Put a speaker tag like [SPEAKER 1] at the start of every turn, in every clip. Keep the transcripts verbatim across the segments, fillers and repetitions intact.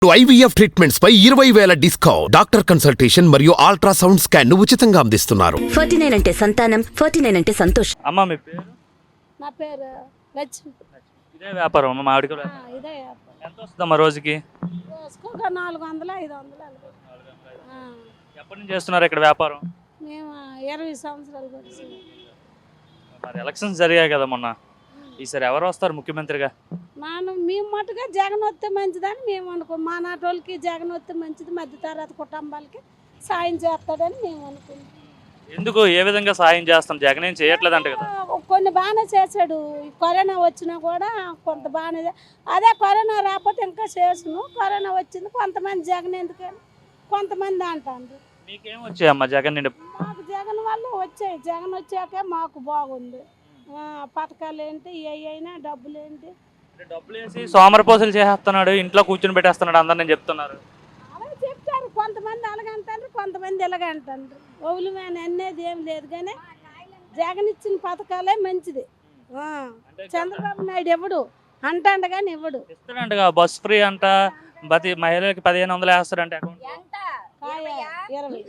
[SPEAKER 1] IVF treatments పై ఇరవై వేల డిస్కౌంట్. డాక్టర్ కన్సల్టేషన్ మరియు అల్ట్రాసౌండ్ స్కాన్ ను ఉచితంగా అందిస్తున్నారు.
[SPEAKER 2] ఫార్టీ నైన్ అంటే సంతానం, ఫార్టీ నైన్ అంటే సంతోషం.
[SPEAKER 3] అమ్మ మీ పేరు?
[SPEAKER 4] నా పేరు లక్ష్మి.
[SPEAKER 3] ఇదే వ్యాపారం అమ్మ మామిడికాయ
[SPEAKER 4] ఆ,
[SPEAKER 3] వ్యాపారం.
[SPEAKER 4] ఇదే వ్యాపారం.
[SPEAKER 3] ఎంత వస్తుందమ్మా రోజుకి?
[SPEAKER 4] రోజుకొక నాలుగు వందలు ఐదు వందలు అలాగే. ఆ,
[SPEAKER 3] ఎప్పటి నుంచి చేస్తున్నారు ఇక్కడ వ్యాపారం?
[SPEAKER 4] మేము ఇరవై సంవత్సరాలు వచ్చి
[SPEAKER 3] మరి ఎలక్షన్స్ జరిగాయి కదా మొన్న, ఈసారి ఎవరు వస్తారు ముఖ్యమంత్రిగా?
[SPEAKER 4] మనం మేము మటుగా జగన్ వస్తే మంచిదని మేము అనుకో మా నాటోళ్ళకి జగన్ వస్తే మంచిది, మధ్య తరగతి కుటుంబాలకి సాయం చేస్తాడని మేము అనుకుంటాం.
[SPEAKER 3] ఎందుకు, ఏ విధంగా సాయం చేస్తాం? జగన్ ఏం చేయట్లేదంట కదా.
[SPEAKER 4] ఆ, కొన్ని బాగానే చేశాడు. ఈ కరోనా వచ్చినా కూడా కొంత బాగానే చే- అదే కరోనా రాకపోతే ఇంకా చేసును. కరోనా వచ్చింది కొంతమంది జగన్ ఎందుకని కొంతమంది అంటారు.
[SPEAKER 3] మీకేం వచ్చాయమ్మా జగన్ నుండి?
[SPEAKER 4] మాకు జగన్ వల్ల వచ్చాయి. జగన్ వచ్చాకే మాకు బాగుంది. ఆ, పథకాలు ఏంటి, ఏ అయినా డబ్బులు ఏంటి,
[SPEAKER 3] డబ్బులు వేసి సోమరపోసలు చేస్తున్నాడు, ఇంట్లో కూర్చొని పెట్టేస్తున్నాడు అందరు నేను చెప్తున్నారు.
[SPEAKER 4] అలా చెప్తారు. కొంతమంది అలాగంటారు, కొంతమంది ఇలాగంటారు. ఒవులమైన అనేది ఏం లేదు కానీ జగన్ ఇచ్చిన పథకాలే మంచిది. ఆ, చంద్రబాబు నాయుడు ఇవ్వడు అంటాడు కానీ ఇవ్వడు.
[SPEAKER 3] ఇస్తాడంట బస్ ఫ్రీ అంట, ప్రతి మహిళలకి పదిహేను వందలు వేస్తాడంట అకౌంట్.
[SPEAKER 4] కాయ ఇరవై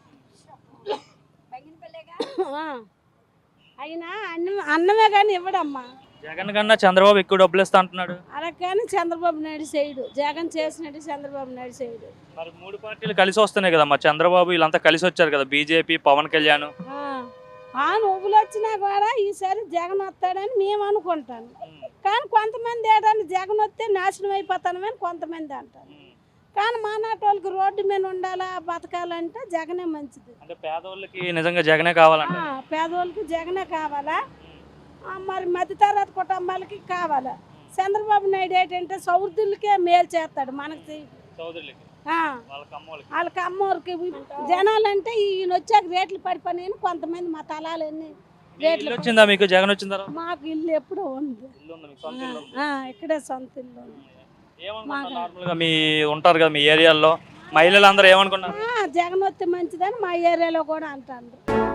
[SPEAKER 4] ఆ, అయినా అన్నం అన్నమే కానీ ఇవ్వడమ్మా.
[SPEAKER 3] జగన్ కన్నా చంద్రబాబు ఎక్కువ డబ్బులు ఇస్తా అంటున్నాడు.
[SPEAKER 4] అలా కానీ చంద్రబాబు నాయుడు చేయడు. జగన్ చేసినట్టు చంద్రబాబు నాయుడు చేయడు.
[SPEAKER 3] మరి మూడు పార్టీలు కలిసి వస్తున్నాయి కదా, మా చంద్రబాబు వీళ్ళంతా కలిసి వచ్చారు కదా, బీజేపీ పవన్ కళ్యాణ్.
[SPEAKER 4] ఆ, ఆ నువ్వులు వచ్చినా కూడా ఈసారి జగన్ వస్తాడని మేము అనుకుంటాను. కానీ కొంతమంది ఏంటంటే జగన్ వస్తే నాశనం అయిపోతానమని కొంతమంది అంటారు. కానీ మా నాటోళ్ళకి రోడ్డు మీద ఉండాలా, బతకాలంటే జగనే మంచిది.
[SPEAKER 3] అంటే పేదవాళ్ళకి నిజంగా జగనే కావాలంట.
[SPEAKER 4] ఆ, పేదవాళ్ళకి జగనే కావాలా. ఆ, మరి మధ్యతరగతి కుటుంబాలకి కావాలా. చంద్రబాబు నాయుడు ఏంటంటే సౌర్థులకే మేలు చేస్తాడు, మనకి చేయడు.
[SPEAKER 3] సోదరులకి
[SPEAKER 4] ఆ,
[SPEAKER 3] వాళ్ళకి అమ్మోళ్ళకి
[SPEAKER 4] వాళ్ళకి అమ్మోరికి జనాలంటే ఈయన వచ్చాక రేట్లు పడిపోయినాయని కొంతమంది మా తలాలన్నీ రేట్లు.
[SPEAKER 3] ఇల్లు వచ్చిందా మీకు జగన్ వచ్చిన తర్వాత?
[SPEAKER 4] మాకు ఇల్లు ఎప్పుడో ఉంది.
[SPEAKER 3] ఇల్లు ఉందా మీకు? సొంత ఇల్లు ఉందా?
[SPEAKER 4] ఆ, ఇక్కడే సొంత ఇల్లు ఉంది.
[SPEAKER 3] ఏమనుకుంటారు నార్మల్గా మీ ఉంటారు కదా మీ ఏరియాలో మహిళలు అందరూ ఏమనుకున్నారు?
[SPEAKER 4] ఆ, జగన్ వస్తే మంచిదని మా ఏరియాలో కూడా అంటారు.